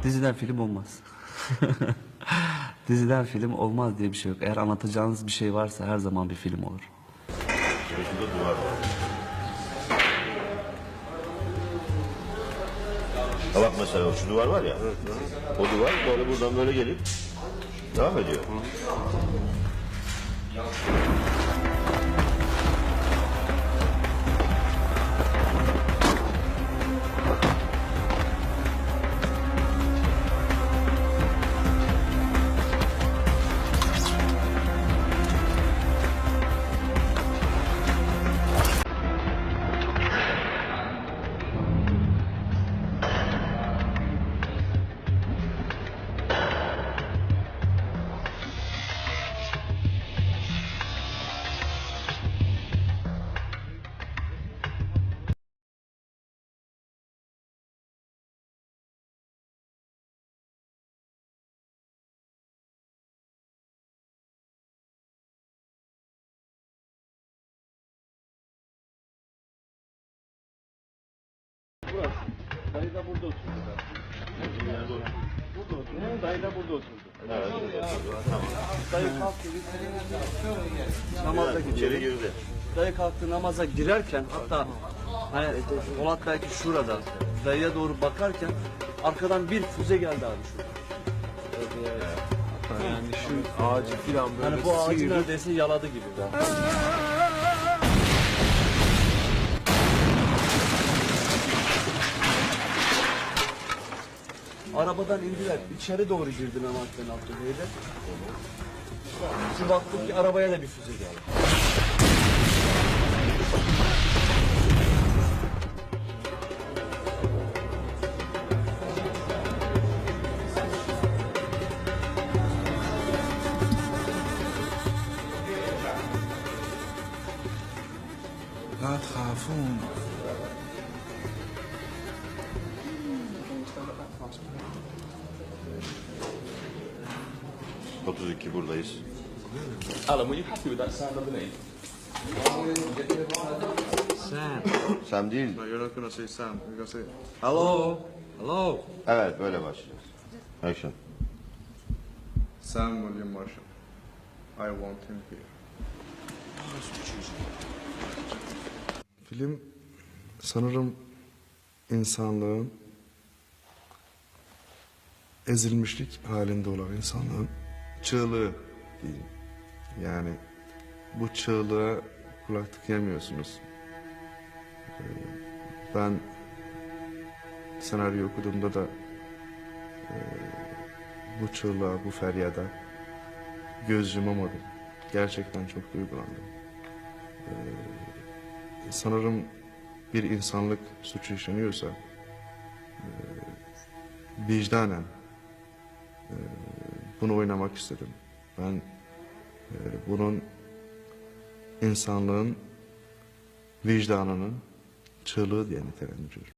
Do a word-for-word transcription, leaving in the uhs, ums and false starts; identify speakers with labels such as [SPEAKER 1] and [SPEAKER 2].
[SPEAKER 1] Diziden film olmaz. Diziden film olmaz diye bir şey yok. Eğer anlatacağınız bir şey varsa her zaman bir film olur.
[SPEAKER 2] Şurada duvar var. Ha bak mesela şu duvar var ya. O duvar böyle buradan böyle gelip devam ediyor.
[SPEAKER 3] Burası. Dayı da burada oturdu. Burada oturdu. Dayı da burada oturdu.
[SPEAKER 2] Evet. Tamam.
[SPEAKER 3] Dayı kalktı. Namaza
[SPEAKER 2] İçeri
[SPEAKER 3] gidiyor.
[SPEAKER 2] girdi.
[SPEAKER 3] Dayı kalktı namaza girerken hatta hani Polat belki şurada dayıya doğru bakarken arkadan bir füze geldi abi şurada.
[SPEAKER 4] Yani şu ağacı filan böyle
[SPEAKER 3] Hani bu ağacı
[SPEAKER 4] sıyırıp
[SPEAKER 3] neredeyse yaladı gibi. Arabadan indiler. İçeri doğru girdi Mehmet Ben Abdülbey'de. Şimdi baktım ki arabaya da bir füze geldi.
[SPEAKER 4] لا تخافون.
[SPEAKER 2] otuz iki buradayız.
[SPEAKER 5] Alan, were you happy with that sound underneath?
[SPEAKER 4] Sam.
[SPEAKER 2] Sam değil.
[SPEAKER 4] No, you're not gonna say Sam. You're gonna say hello. Hello.
[SPEAKER 2] Evet böyle başlayacağız. Action.
[SPEAKER 4] Sam William Marshall. I want him here. Film sanırım insanlığın ezilmişlik halinde olan insanlığın çığlığı diyeyim. Yani bu çığlığa kulak tıkayamıyorsunuz. Ee, Ben senaryo okuduğumda da e, bu çığlığa, bu feryada göz yumamadım. Gerçekten çok duygulandım. Ee, sanırım bir insanlık suçu işleniyorsa e, vicdanen e, bunu oynamak istedim. Ben e, bunun insanlığın vicdanının çığlığı diye nitelendiriyorum.